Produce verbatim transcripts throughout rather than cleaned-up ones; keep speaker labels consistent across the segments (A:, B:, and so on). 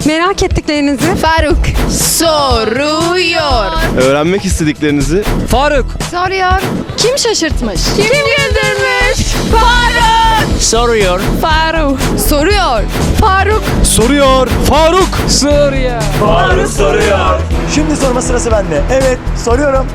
A: Merak ettiklerinizi
B: Faruk soruyor.
C: Öğrenmek istediklerinizi
D: Faruk
B: Soruyor.
A: kim şaşırtmış?
B: Kim güldürmüş? Faruk
D: soruyor.
B: Faruk soruyor. Faruk
C: soruyor. Faruk
D: Soruyor.
E: Faruk soruyor. Şimdi sorma sırası bende. Evet, soruyorum.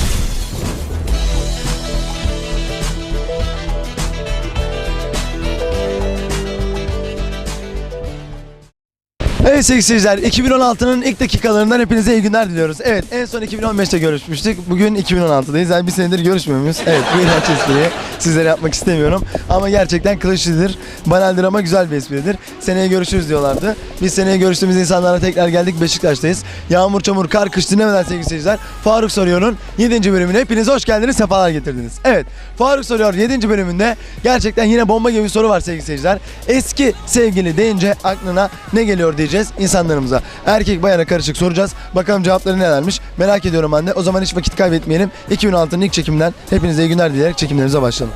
E: Evet sevgili seyirciler, iki bin on altının ilk dakikalarından hepinize iyi günler diliyoruz. Evet, en son iki bin on beşte görüşmüştük. Bugün iki bin on altıdayız. Yani bir senedir görüşmüyor muyuz? Evet, bu iğrenç espriyi sizlere yapmak istemiyorum. Ama gerçekten kılıçlıdır, banaldir ama güzel bir espridir. Seneye görüşürüz diyorlardı. Biz seneye görüştüğümüz insanlara tekrar geldik. Beşiktaş'tayız. Yağmur, çamur, kar, kış dinlemeden sevgili seyirciler. Faruk Soruyor'un yedinci bölümüne hepiniz hoş geldiniz, sefalar getirdiniz. Evet, Faruk Soruyor yedinci bölümünde gerçekten yine bomba gibi bir soru var sevgili seyirciler. Eski sevgili deyince aklına ne geliyor diyeceğiz insanlarımıza. Erkek bayana karışık soracağız. Bakalım cevapları nelermiş. Merak ediyorum ben de. O zaman hiç vakit kaybetmeyelim. iki bin altının ilk çekiminden hepinize iyi günler dileyerek çekimlerimize başlayalım.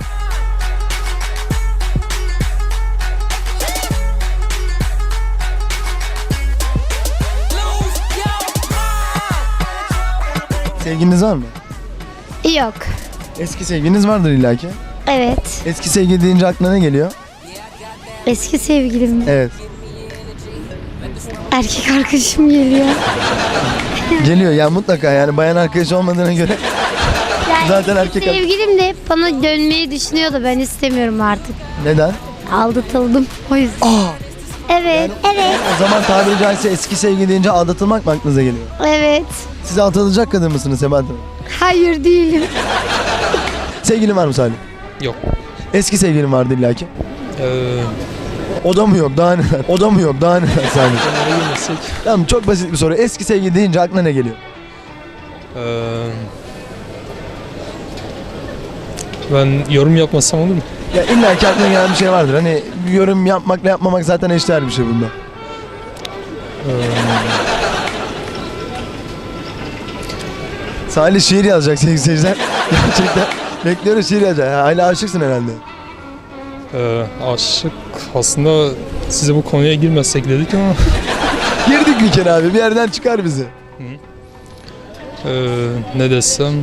E: Sevgiliniz var mı?
F: Yok.
E: Eski sevgiliniz vardır illaki.
F: Evet.
E: Eski sevgili deyince aklına ne geliyor?
F: Eski sevgilim mi?
E: Evet.
F: Erkek arkadaşım geliyor.
E: Geliyor ya mutlaka, yani bayan arkadaş olmadığına göre
F: Yani
E: zaten erkek arkadaş.
F: sevgilim de hep bana dönmeyi düşünüyordu. Ben istemiyorum artık.
E: Neden?
F: Aldatıldım o yüzden.
E: Aa,
F: Evet. Evet.
E: o zaman tabiri caizse eski sevgili deyince aldatılmak mı aklınıza geliyor?
F: Evet.
E: Siz aldatılacak kadın mısınız Sebahat Hanım?
F: Hayır değilim.
E: Sevgilin var mı Salih?
D: Yok.
E: Eski sevgilin vardı illaki.
D: Ee,
E: O da mı yok daha neler? O da mı yok daha neler Salih?
D: Nereye girmesek?
E: Tamam, çok basit bir soru. Eski sevgili deyince aklına ne geliyor?
D: Ee, ben yorum yapmasam olur mu?
E: Ya illaki aklına gelen bir şey vardır. Hani yorum yapmakla yapmamak zaten eşdeğer bir şey bunda.
D: Ee,
E: Salih şiir yazacak sevgili seyirciler. Gerçekten bekliyoruz, şiir yazacak. Ha, hala aşıksın herhalde.
D: e, aşık aslında size bu konuya girmesek dedik ama
E: Girdik bir kere abi, bir yerden çıkar bizi.
D: e, ne desem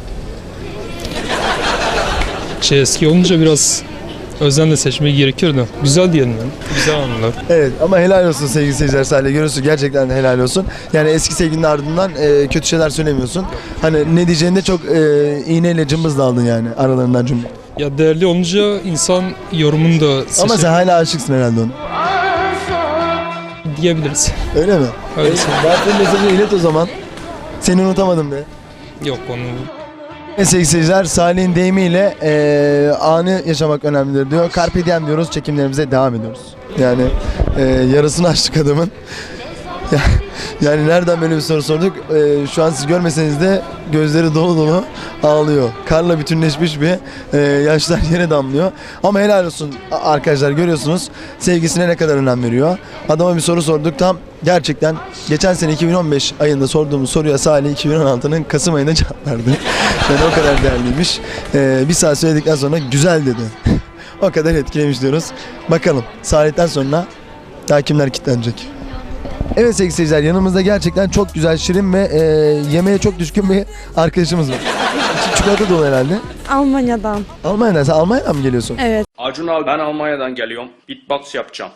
D: şey eski olunca biraz özenle seçmek gerekiyor da güzel diyelim yani. Güzel anılar.
E: Evet ama helal olsun sevgili seyirciler, Salih görüyorsun, gerçekten de helal olsun. Yani eski sevgilinin ardından e, kötü şeyler söylemiyorsun. Hani ne diyeceğini de çok e, iğneyle cımbızla aldın yani aralarından cümle.
D: Ya değerli olunca insan yorumunu da
E: Ama
D: seçer
E: sen hala aşıksın herhalde ona.
D: diyebiliriz.
E: Öyle mi?
D: Öyle.
E: Verdiğin mesajı ilet o zaman. Seni unutamadım de.
D: Yok onu
E: Evet sevgili seyirciler, Salih'in deyimiyle e, anı yaşamak önemlidir diyor. Carpe diem diyoruz, çekimlerimize devam ediyoruz. Yani e, yarısını açtık adamın. Ya- yani nereden böyle bir soru sorduk? E, şu an siz görmeseniz de gözleri dolu dolu ağlıyor. Karla bütünleşmiş bir e, yaşlar yere damlıyor. Ama helal olsun a- arkadaşlar, görüyorsunuz sevgisine ne kadar önem veriyor. Adama bir soru sorduk, tam gerçekten geçen sene iki bin on beş ayında sorduğumuz soruya Salih iki bin on altının Kasım ayında cevap verdi. Yani o kadar değerliymiş. E, bir saat söyledikten sonra güzel dedi. O kadar etkilemiş diyoruz. Bakalım Salih'ten sonra daha kimler kilitlenecek? Evet sevgili seyirciler, yanımızda gerçekten çok güzel, şirin ve e, yemeğe çok düşkün bir arkadaşımız var. İçi çikolata dolu herhalde.
A: Almanya'dan.
E: Almanya'dan, sen Almanya'dan mı geliyorsun?
A: Evet.
G: Acun abi ben Almanya'dan geliyorum. Beatbox yapacağım.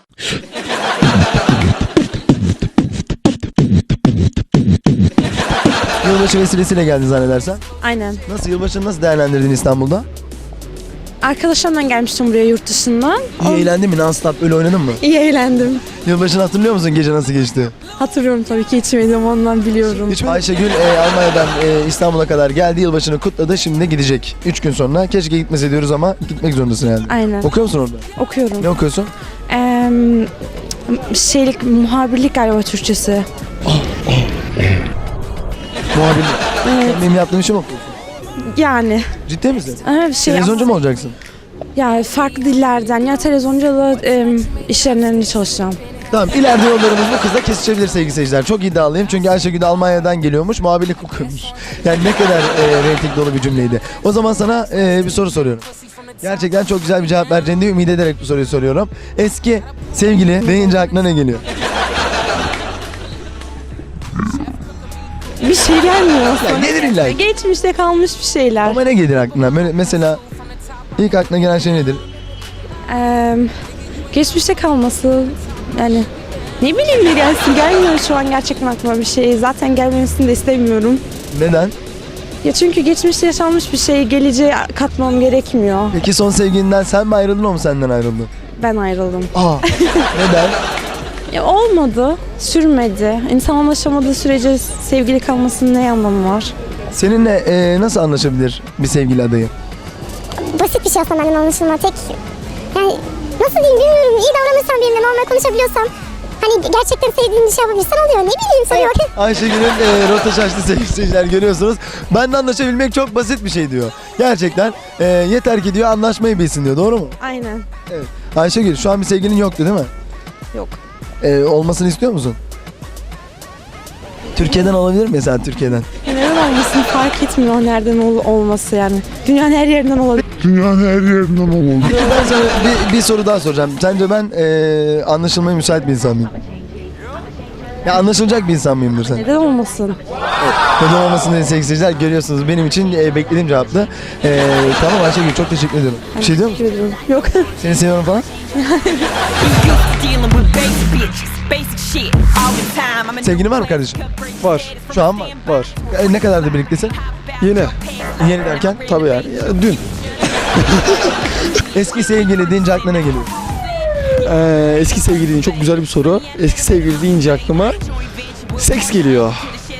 E: Yılbaşı vesilesiyle geldin zannedersen.
A: Aynen.
E: Nasıl, yılbaşını nasıl değerlendirdin İstanbul'da?
A: Arkadaşlarımla gelmiştim buraya yurt dışından.
E: İyi eğlendin mi? Non-stop böyle oynadın mı?
A: İyi eğlendim.
E: Yılbaşını hatırlıyor musun, gece nasıl geçti?
A: Hatırlıyorum tabii ki, içmedim ondan biliyorum.
E: Hiç Ayşegül e, Almanya'dan e, İstanbul'a kadar geldi, yılbaşını kutladı, şimdi de gidecek. Üç gün sonra. Keşke gitmese diyoruz ama gitmek zorundasın herhalde.
A: Aynen.
E: Okuyor musun orada?
A: Okuyorum.
E: Ne okuyorsun?
A: Ee, şeylik, muhabirlik galiba Türkçesi.
E: Muhabirlik.
A: Evet.
E: Sen benim yaptığım işi mi okuyorsun?
A: Yani.
E: Ciddi misin?
A: Evet, şey,
E: Televizyoncu mu olacaksın?
A: ya farklı dillerden ya televizyoncu ya da e, iş yerlerinde çalışacağım.
E: Tamam, ileride yollarımız bu kızla kesişebilir sevgili seyirciler. Çok iddialıyım çünkü Ayşegül Almanya'dan geliyormuş, muhabirlik okuyormuş. Yani ne kadar e, reyting dolu bir cümleydi. O zaman sana e, bir soru soruyorum. Gerçekten çok güzel bir cevap vereceğini ümit ederek bu soruyu soruyorum. Eski sevgili deyince aklına ne geliyor?
A: Bir şey gelmiyor.
E: Ya gelir illa ki.
A: Geçmişte kalmış bir şeyler.
E: Ama ne gelir aklına? Böyle mesela ilk aklına gelen şey nedir?
A: Ee, geçmişte kalması yani ne bileyim ne gelsin, gelmiyor şu an gerçekten aklıma bir şey. Zaten gelmemesini de istemiyorum.
E: Neden?
A: Ya çünkü geçmişte yaşanmış bir şeyi geleceğe katmam gerekmiyor.
E: Peki son sevgilinden sen mi ayrıldın, o mu senden ayrıldı?
A: Ben ayrıldım.
E: Aa, neden?
A: Ya olmadı, sürmedi. İnsan anlaşamadığı sürece sevgili kalmasının ne anlamı var?
E: Seninle e, nasıl anlaşabilir bir sevgili adayı?
H: Basit bir şey aslında benden anlaşılma. Tek yani nasıl diyeyim bilmiyorum. İyi davranırsam benimle normal konuşabiliyorsam hani gerçekten sevdiğim bir şey yapabilirsen oluyor. Ne bileyim soruyor.
E: Ayşegül'ün e, rota şaştı sevgili seyirciler, görüyorsunuz. Benimle anlaşabilmek çok basit bir şey diyor. Gerçekten e, yeter ki diyor anlaşmayı bilsin diyor, doğru mu?
A: Aynen.
E: Evet. Ayşegül, şu an bir sevgilin yoktu değil mi?
A: Yok.
E: E, olmasını istiyor musun? Türkiye'den olabilir mi mesela, Türkiye'den?
A: Neden olmasın fark etmiyor nereden ol- olması yani. Dünyanın her yerinden olabilir.
E: Ben sana bir, bir soru daha soracağım. Sence ben e, anlaşılmaya müsait bir insan mıyım? Ya anlaşılacak bir insan mıyımdır sen?
A: Neden olmasın?
E: Neden olmasın diye sevgili seyirciler, görüyorsunuz. Benim için e, beklediğim cevaptı. E, tamam Ayşegül, çok teşekkür ediyorum. Bir şey diyor musun?
A: Teşekkür ederim. Yok.
E: Seni seviyorum falan. Sevgilin var mı kardeşim?
C: Var.
E: Şu an var.
C: Var.
E: E, ne kadardır birliktesin?
C: Yine.
E: Yeni derken?
C: Tabii yani. Ya, dün.
E: Eski sevgili deyince aklına ne geliyor?
C: Ee, eski sevgili deyince çok güzel bir soru. Eski sevgili deyince aklıma seks geliyor.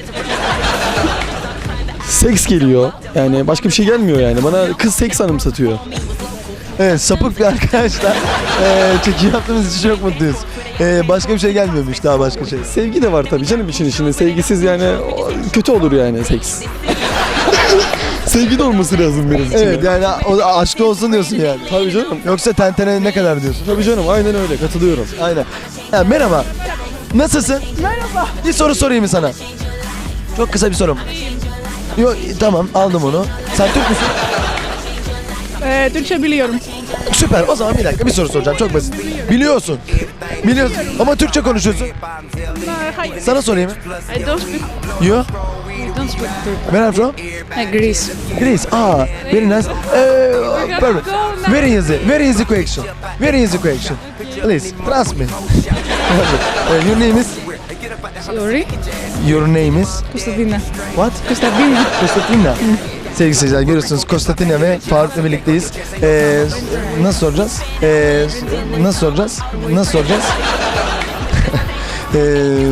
C: Seks geliyor. Yani başka bir şey gelmiyor yani. Bana kız seks anımsatıyor.
E: Evet, sapık bir arkadaşlar. E, çekim yaptığımız için çok mutluyuz. E, başka bir şey gelmiyormuş, daha başka şey.
C: Sevgi de var tabii canım işin içinde. Sevgisiz yani o- kötü olur yani seks. Sevgi de olması lazım benim için.
E: Evet, yani o aşkı olsun diyorsun yani.
C: Tabii canım.
E: Yoksa tentene ne kadar diyorsun?
C: Tabii canım aynen öyle katılıyorum.
E: Aynen. Ya, merhaba. Nasılsın? Merhaba. Bir soru sorayım mı sana? Çok kısa bir sorum. Yok, tamam, aldım onu. Sen Türk müsün?
B: Ee, Türkçe biliyorum.
E: Süper. O zaman bir dakika bir soru soracağım. Çok basit. Biliyorsun. Biliyorsun. Ama Türkçe konuşuyorsun.
B: Hayır.
E: Sana sorayım.
B: I don't speak,
E: You?
B: don't speak Turkish.
E: Where are you from?
B: Greece.
E: Greece. Ah, very nice. Uh, perfect. Very easy. Very easy question. Very easy question. Please, trust me. Uh, your name is?
B: Sorry.
E: Your name is?
B: Kostadina.
E: What?
B: Kostadina.
E: Konstantina. Sevgili seyirciler, görüyorsunuz Konstantina ve Faruk'la birlikteyiz. Ee, nasıl soracağız? Ee, nasıl soracağız? Nasıl soracağız? ee,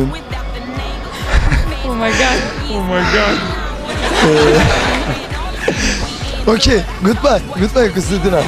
B: Oh my god. Oh my god.
E: okay, goodbye. Goodbye Konstantina.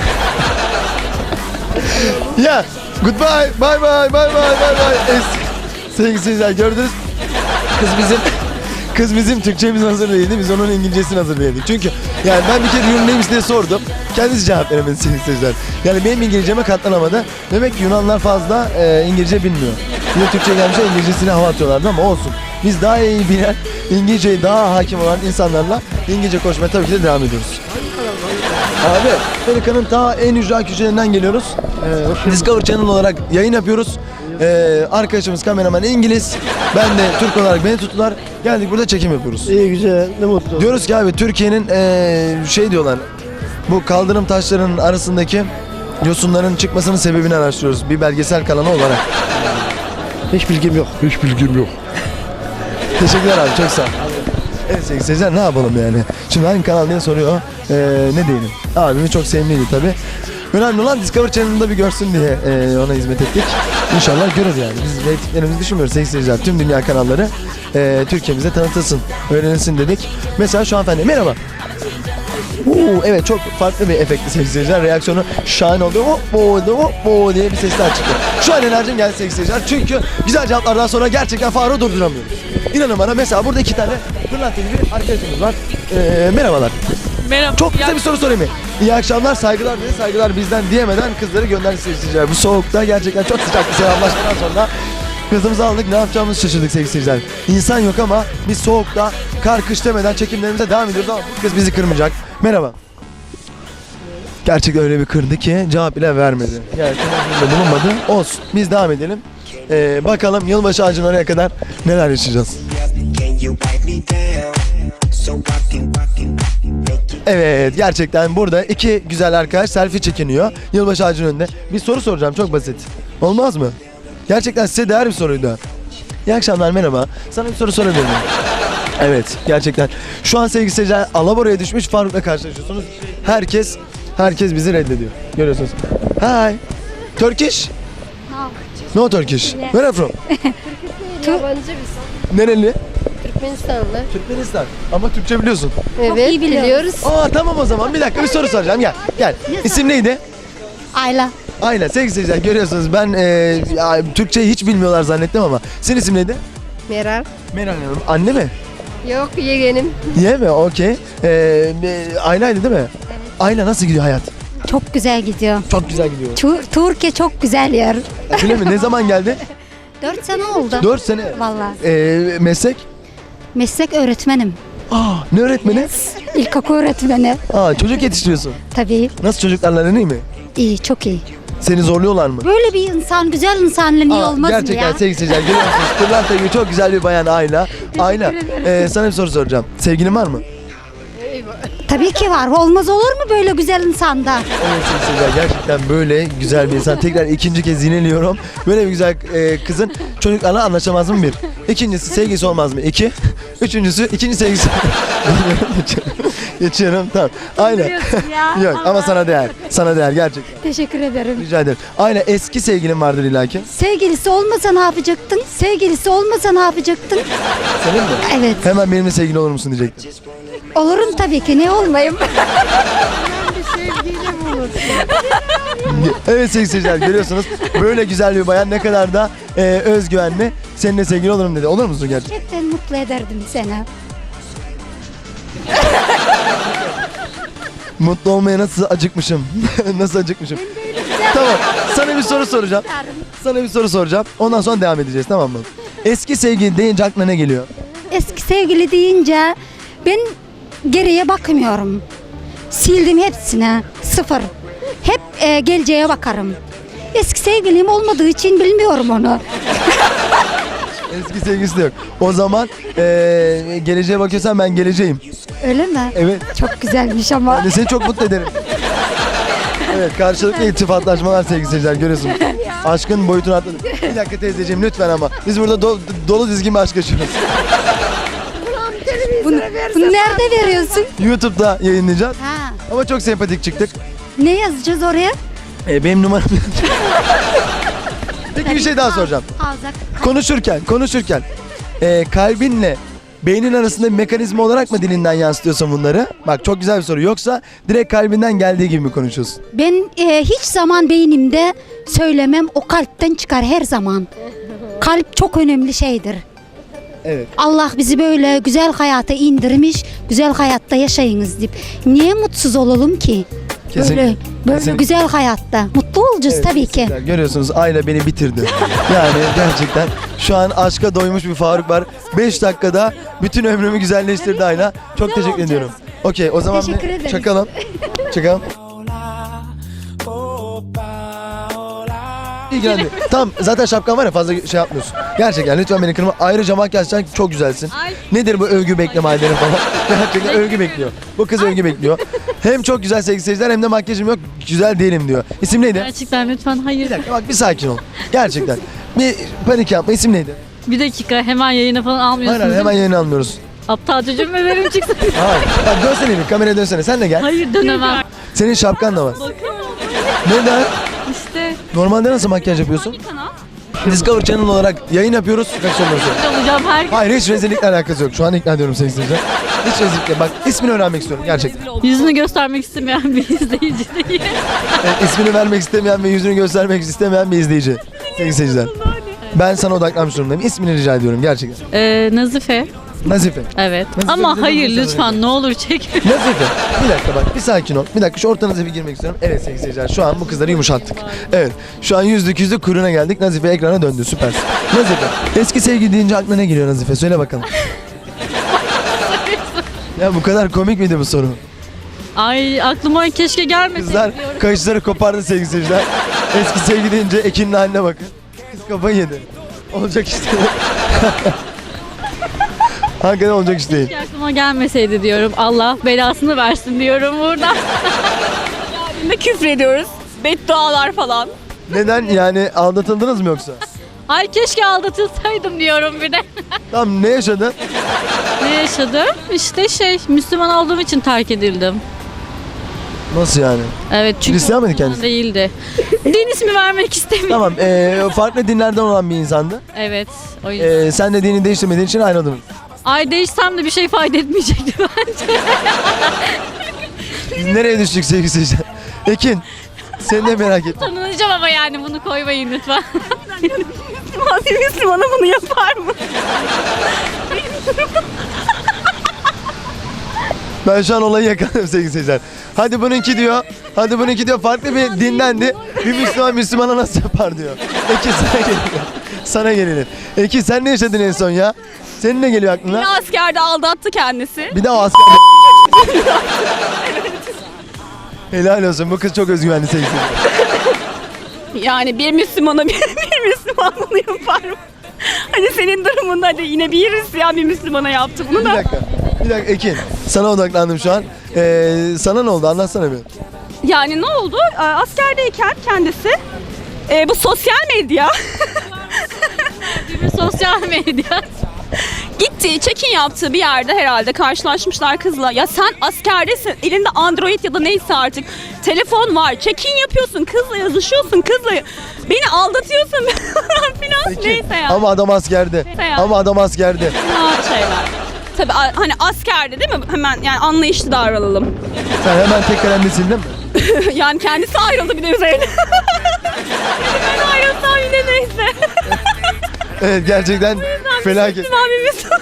E: Yeah, goodbye. Bye bye, bye bye, bye bye. Es- Sevgili seyirciler, gördünüz. Kız bizim Kız bizim Türkçemiz hazır değildi. Biz onun İngilizcesini hazırlayabildik. Çünkü yani ben bir kere Yunan neymiş diye sordum. Kendisi cevap veremedi sevgili seyirciler. Yani benim İngilizceme katlanamadı. Demek ki Yunanlar fazla e, İngilizce bilmiyor. Bir de Türkçe gelmişler, İngilizcesine hava atıyorlardı ama olsun. Biz daha iyi bilen, İngilizceyi daha hakim olan insanlarla İngilizce konuşmaya tabii ki de devam ediyoruz. Abi, Amerika'nın ta en ücra köşelerinden geliyoruz. Ee, Discovery Channel olarak yayın yapıyoruz. Ee, arkadaşımız kameraman İngiliz. Ben de Türk olarak beni tuttular. Geldik burada çekim yapıyoruz.
I: İyi güzel, ne mutlu.
E: Diyoruz ki abi Türkiye'nin ee, şey diyorlar. Bu kaldırım taşlarının arasındaki yosunların çıkmasının sebebini araştırıyoruz. Bir belgesel kanalı olarak.
I: Hiç bilgim yok. Hiç bilgim yok.
E: Teşekkürler abi, çok sağ ol. Evet sevgili seyirciler, ne yapalım yani? Şimdi hangi kanal diye soruyor. Ee, ne diyelim? Abimi çok sevimliydi tabi. Önemli olan Discovery Channel'da bir görsün diye e, ona hizmet ettik. İnşallah görür yani. Biz reytinglerimizi düşünmüyoruz sevgili seyirciler. Tüm dünya kanalları e, Türkiye'mize tanıtılsın, öğrenilsin dedik. Mesela şu hanımefendi, merhaba. Oo, evet, çok farklı bir efekti sevgili seyirciler. Reaksiyonu şahane oldu. Hop bo hop bo diye bir sesler çıktı. Şu an enerjim geldi sevgili seyirciler. Çünkü güzel cevaplardan sonra gerçekten Faruk'u durduramıyoruz. İnanın bana, mesela burada iki tane pırlanta gibi bir arkadaşımız var. Ee, merhabalar.
B: Merhaba.
E: Çok kısa bir soru sorayım mı? İyi akşamlar, saygılar dedi, saygılar bizden diyemeden kızları gönderdi sevgili seyirciler. Bu soğukta gerçekten çok sıcak bir selamlaşmadan sonra kızımızı aldık, ne yapacağımızı şaşırdık sevgili seyirciler. İnsan yok ama biz soğukta, kar kış demeden çekimlerimize devam ediyoruz ama bu kız bizi kırmayacak. Merhaba. Gerçekten öyle bir kırdı ki cevap bile vermedi. Yani temeninde bulunmadı. Olsun. Biz devam edelim. Ee, bakalım yılbaşı ağacının oraya kadar neler yaşayacağız. Evet, gerçekten burada iki güzel arkadaş selfie çekiniyor yılbaşı ağacının önünde. Bir soru soracağım, çok basit. Olmaz mı? Gerçekten size değer bir soruydu. İyi akşamlar, merhaba. Sana bir soru sorabilir miyim? Evet, gerçekten. Şu an sevgili seyirciler Alabora'ya düşmüş Faruk'la karşılaşıyorsunuz. Herkes, herkes bizi reddediyor. Görüyorsunuz. Hi. Turkish? No. No Turkish. Where are you from?
J: Yabancı biz.
E: Nereli?
J: Türkmenistanlı.
E: Türkmenistan. Ama Türkçe biliyorsun.
J: Evet, biliyoruz.
E: Aa tamam o zaman. Bir dakika bir soru soracağım. Gel. Gel. İsim neydi?
F: Ayla.
E: Aynen sevgili seyirciler görüyorsunuz ben e, ya, Türkçeyi hiç bilmiyorlar zannettim ama senin isim neydi?
J: Meral.
E: Meral Hanım. Anne mi?
J: Yok, yeğenim.
E: Ye mi? Okey. Ee, e, Ayla'ydı değil mi? Evet. Ayla nasıl gidiyor hayat?
F: Çok güzel gidiyor.
E: Çok güzel gidiyor.
F: Tu- Türkiye çok güzel yer.
E: Öyle mi? Ne zaman geldi?
F: Dört sene oldu.
E: Dört sene.
F: Vallahi.
E: Ee, meslek?
F: Meslek öğretmenim.
E: Aa, ne öğretmeni?
F: İlkokul öğretmeni.
E: Aa, çocuk yetiştiriyorsun.
F: Tabii.
E: Nasıl çocuklarla aran iyi mi?
F: İyi, çok iyi.
E: Seni zorluyorlar mı?
F: Böyle bir insan, güzel insanla niye
E: Aa,
F: olmaz mı
E: gerçekten
F: ya?
E: sevgili seyirciler görüyorsunuz. Pırlanta gibi çok güzel bir bayan Ayla. Ayla, e, sana bir soru soracağım. Sevgilin var mı?
F: Tabii ki var. Olmaz olur mu böyle güzel insanda?
E: Evet sevgili seyirciler gerçekten böyle güzel bir insan. Tekrar ikinci kez yineliyorum. Böyle bir güzel e, kızın çocuklarla anlaşamaz mı bir? İkincisi sevgisi olmaz mı? İki. Üçüncüsü ikinci sevgisi. Geçiyorum. Geçiyorum tamam. Aynen. Yok ama sana değer. Sana değer gerçekten.
F: Teşekkür ederim.
E: Rica ederim. Aynen eski sevgilin vardır illaki.
F: Sevgilisi olmasa ne yapacaktın? Sevgilisi olmasa ne yapacaktın?
E: Senin mi?
F: Evet.
E: Hemen benimle sevgili olur musun diyecektim.
F: Olurum tabii ki. Ne olmayayım?
E: Evet sevgili seyirciler görüyorsunuz. Böyle güzel bir bayan ne kadar da e, özgüvenli. Seninle sevgili olurum dedi. Olur musun gerçekten?
F: Gerçekten mutlu ederdim seni.
E: Mutlu olmaya nasıl acıkmışım. Nasıl acıkmışım. Tamam. Sana bir soru soracağım. Sana bir soru soracağım. Ondan sonra devam edeceğiz tamam mı? Eski sevgili deyince aklına ne geliyor?
F: Eski sevgili deyince ben geriye bakmıyorum. Sildim hepsine. Sıfır. Hep e, geleceğe bakarım. Eski sevgilim olmadığı için bilmiyorum onu.
E: Eski sevgilisi de yok. O zaman e, geleceğe bakıyorsan ben geleceğim.
F: Öyle mi?
E: Evet.
F: Çok güzelmiş ama.
E: Yani seni çok mutlu ederim. Evet karşılıklı iltifatlaşmalar sevgili seyirciler görüyorsunuz. Aşkın boyutunu atladık. Bir dakika teyzeciğim lütfen ama. Biz burada do- dolu dizgin bir aşk yaşıyoruz.
F: Bunu, bunu nerede veriyorsun?
E: YouTube'da yayınlayacağız.
F: Ha.
E: Ama çok sempatik çıktık.
F: Ne yazacağız oraya?
E: E, benim numaram. Peki bir şey daha soracağım.
F: Havzak.
E: Konuşurken, konuşurken e, kalbinle beynin arasında bir mekanizma olarak mı dilinden yansıtıyorsun bunları? Bak çok güzel bir soru. Yoksa direkt kalbinden geldiği gibi mi konuşuyorsun?
F: Ben e, hiç zaman beynimde söylemem, o kalpten çıkar her zaman. Kalp çok önemli şeydir.
E: Evet.
F: Allah bizi böyle güzel hayata indirmiş, güzel hayatta yaşayınız deyip. Niye mutsuz olalım ki?
E: Kesinlikle.
F: Böyle, böyle
E: Kesinlikle.
F: güzel hayatta. Mutlu olacağız
E: Evet,
F: tabii ki.
E: kesinlikle. Görüyorsunuz Ayla beni bitirdi. Yani gerçekten şu an aşka doymuş bir Faruk var. beş dakikada bütün ömrümü güzelleştirdi Ayla. Çok teşekkür
F: olacağız.
E: ediyorum. Okey o zaman
F: Teşekkür
E: bir
F: ederiz.
E: çakalım. Çakalım. İyi geldi. Tamam zaten şapkan var ya fazla şey yapmıyorsun. Gerçekten lütfen beni kırma. Ayrıca makyajdan çok güzelsin. Nedir bu övgü bekleme halleri falan. Gerçekten övgü bekliyor. Bu kız övgü bekliyor. Hem çok güzel sevgili seyirciler hem de makyajım yok. Güzel değilim diyor. İsim neydi?
B: Gerçekten lütfen hayır.
E: Bir dakika bak bir sakin ol. Gerçekten. Bir panik yapma. İsim neydi?
B: Bir dakika hemen yayına falan
E: Hayır
B: almıyorsunuz.
E: hayır hemen yayını almıyoruz.
B: Aptal çocuğum mu verim çıksın?
E: Hayır. Bak dönsene bir kameraya dönsene. Sen de gel.
B: Hayır dönemem.
E: Senin şapkan da var. Neden?
B: İşte
E: Normalde nasıl makyaj yapıyorsun?
B: kanal.
E: Discover Channel olarak yayın yapıyoruz. Kaç soruyorsun?
B: Olacağım her gün.
E: Hayır hiç rezillikle alakası yok. Şu an ikna ediyorum seni sizce. Hiç rezillikle. Bak ismini öğrenmek istiyorum gerçekten.
B: Yüzünü göstermek istemeyen bir izleyici değil.
E: Evet, ismini vermek istemeyen ve yüzünü göstermek istemeyen bir izleyici. Sevgili seyirciler. Ben sana odaklanmış durumdayım. İsmini rica ediyorum gerçekten.
B: Ee, Nazife.
E: Nazife.
B: Evet.
E: Nazife
B: Ama
E: bize
B: hayır
E: dönüşe
B: lütfen ne olur çek.
E: Nazife. Bir dakika bak bir sakin ol. Bir dakika şu ortanıza bir girmek istiyorum. Evet sevgili seyirciler şu an bu kızları yumuşattık. Evet şu an yüzlük yüzlük kuyruğuna geldik. Nazife ekrana döndü süpersin. Nazife eski sevgili deyince aklına ne geliyor Nazife? Söyle bakalım. Ya bu kadar komik miydi bu soru?
B: Ay aklıma keşke gelmeseydi
E: Kızlar
B: diyorum.
E: kaşları kopardı sevgili seyirciler. Eski sevgili deyince Ekin'in haline bakın. Kız kafayı yedi. Olacak işte. Hakikaten olacak iş değil.
B: Keşke aklıma gelmeseydi diyorum. Allah belasını versin diyorum burada.
A: Ne küfür ediyoruz. Beddualar falan.
E: Neden yani aldatıldınız mı yoksa?
B: Ay keşke aldatılsaydım diyorum bir de.
E: Tamam ne yaşadın?
B: Ne yaşadım? İşte şey Müslüman olduğum için terk edildim.
E: Nasıl yani?
B: Evet çünkü
E: Hristiyan mıydı
B: Müslüman
E: kendisi?
B: değildi. Din ismi vermek istemiyorum.
E: Tamam ee, farklı dinlerden olan bir insandı.
B: Evet o yüzden.
E: Ee, sen de dini değiştirmediğin için ayrıldınız.
B: Ay değişsem de bir şey fayda etmeyecekti bence.
E: Biz nereye düştük sevgili seyirciler? Ekin seni de merak ettim.
B: Tanınacağım ama yani bunu koymayın lütfen.
A: Müslüman bir Müslümana bunu yapar mı?
E: Ben şu an olayı yakaladım sevgili seyirciler. Hadi bununki diyor. Hadi bununki diyor farklı bir dindendi. Bir Müslüman Müslümana nasıl yapar diyor. Ekin sana gelelim. Sana gelelim. Ekin sen ne yaşadın en son ya? Senin ne geliyor aklına?
A: Askerde aldattı kendisi.
E: Bir daha o asker... Helal olsun. Bu kız çok özgüvenli sevgili seyirciler.
A: Yani bir Müslümana bir, bir Müslüman bunu yapar mı? Hani senin durumunda hadi yine bir Hristiyan bir Müslümana yaptı bunu
E: Bir
A: da.
E: dakika. Bir dakika Ekin. Sana odaklandım şu an. Ee, sana ne oldu? Anlatsana bir.
A: Yani ne oldu? Ee, Askerdeyken kendisi e, bu sosyal medya
B: Bir sosyal medya.
A: gitti, check-in yaptığı bir yerde herhalde karşılaşmışlar kızla. Ya sen askerdesin, elinde Android ya da neyse artık telefon var, check-in yapıyorsun, kızla yazışıyorsun, kızla beni aldatıyorsun filan neyse ya.
E: Ama adam askerde.
A: Neyse ya.
E: Ama adam askerde.
A: Fena şeyler. Tabii a- hani askerde değil mi? Hemen yani anlayışlı davranalım.
E: Sen hemen tek kalemle sildin mi?
A: Yani kendisi ayrıldı bir de üzerine. Ben ayrılsam yine neyse.
E: Evet gerçekten felaket.
A: Müslüman bir Müslüman.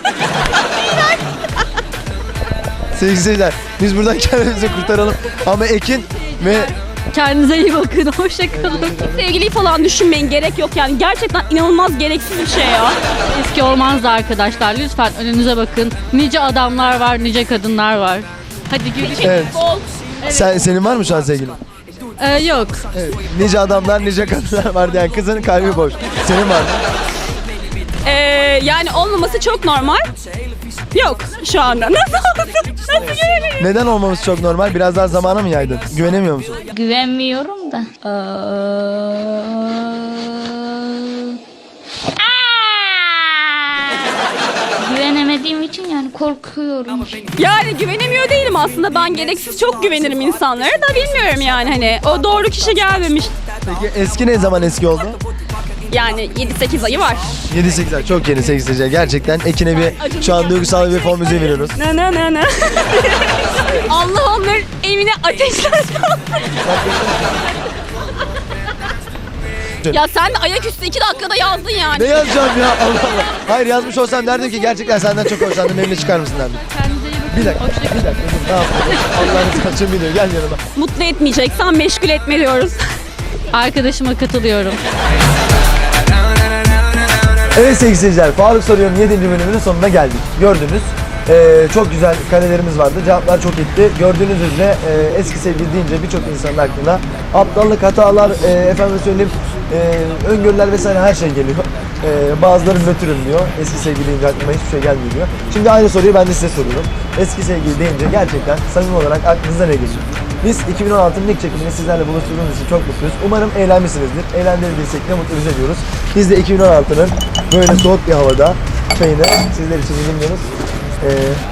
E: Sevgili seyirciler biz buradan kendimizi kurtaralım. Ama Ekin ve
B: Kendinize iyi bakın. Hoşçakalın.
A: Sevgiliyi falan düşünmeyin, gerek yok yani. Gerçekten inanılmaz gereksiz bir şey ya.
B: Eski olmaz da arkadaşlar. Lütfen önünüze bakın. Nice adamlar var, nice kadınlar var. Hadi görüşürüz.
E: evet. Sen, senin var mı şu an sevgilin?
B: Ee, yok.
E: Evet. Nice adamlar, nice kadınlar var diyen kızın kalbi boş. Senin var mı?
A: Ee, yani olmaması çok normal. Yok şu anda. Nasıl olsun? Nasıl görebilirim?
E: Neden olmamız çok normal? Biraz daha zamana mı yaydın? Güvenemiyor musun?
K: Güvenmiyorum da. Güvenemediğim için yani korkuyorum.
A: Yani güvenemiyor değilim aslında. Ben gereksiz çok güvenirim insanlara da bilmiyorum yani hani. O doğru kişi gelmemiş.
E: Peki eski ne zaman eski oldu?
A: Yani yedi sekiz ayı var.
E: yedi sekiz ay çok yeni sevgili seyirciler. Gerçekten Ekin'e bir şu an duygusal bir fon müziği veriyoruz.
A: Ne ne ne ne. Allah onların evine ateşler. Ya sen de ayaküstü iki dakikada yazdın yani.
E: Ne yazacağım ya Allah Allah. Hayır yazmış olsam derdim ki gerçekten senden çok hoşlandım benimle çıkar mısın derdim.
B: Kendinize iyi bakın.
E: Bir dakika, bir dakika dur ne yapalım? Allah'ını saçım biliyor gel yanıma.
A: Mutlu etmeyeceksen meşgul etme diyoruz.
B: Arkadaşıma katılıyorum.
E: Evet sevgili seyirciler, Faruk Soruyor'un yedinci bölümünün sonuna geldik. Gördünüz. Ee, çok güzel kalelerimiz vardı. Cevaplar çok etti. Gördüğünüz üzere e, eski sevgili deyince birçok insanın aklına aptallık, hatalar, e, efendim söyleyeyim, e, öngörüler vesaire her şey geliyor. E, bazıları nötrüm diyor. Eski sevgili deyince aklıma hiçbir şey gelmiyor diyor. Şimdi aynı soruyu ben de size soruyorum. Eski sevgili deyince gerçekten samimi olarak aklınıza ne geliyor? Biz iki bin on altının ilk çekimini sizlerle buluşturduğumuz için çok mutluyuz. Umarım eğlenmişsinizdir. Eğlendirdiysek ne mutlu bize diyoruz. Biz de iki bin on altının böyle soğuk bir havada çayını sizler için yudumluyoruz. Ee,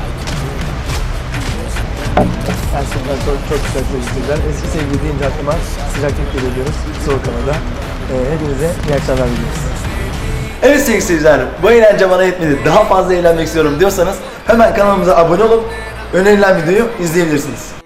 E: gerçekten çok, çok güzel sevgililer. Eski sevgili deyince aklıma sıcaklık geliyor diyoruz. Soğuk havada. Ee, hepinize iyi akşamlar diliyoruz. Evet sevgili seyirciler, bu eğlence bana yetmedi. Daha fazla eğlenmek istiyorum diyorsanız hemen kanalımıza abone olup önerilen videoyu izleyebilirsiniz.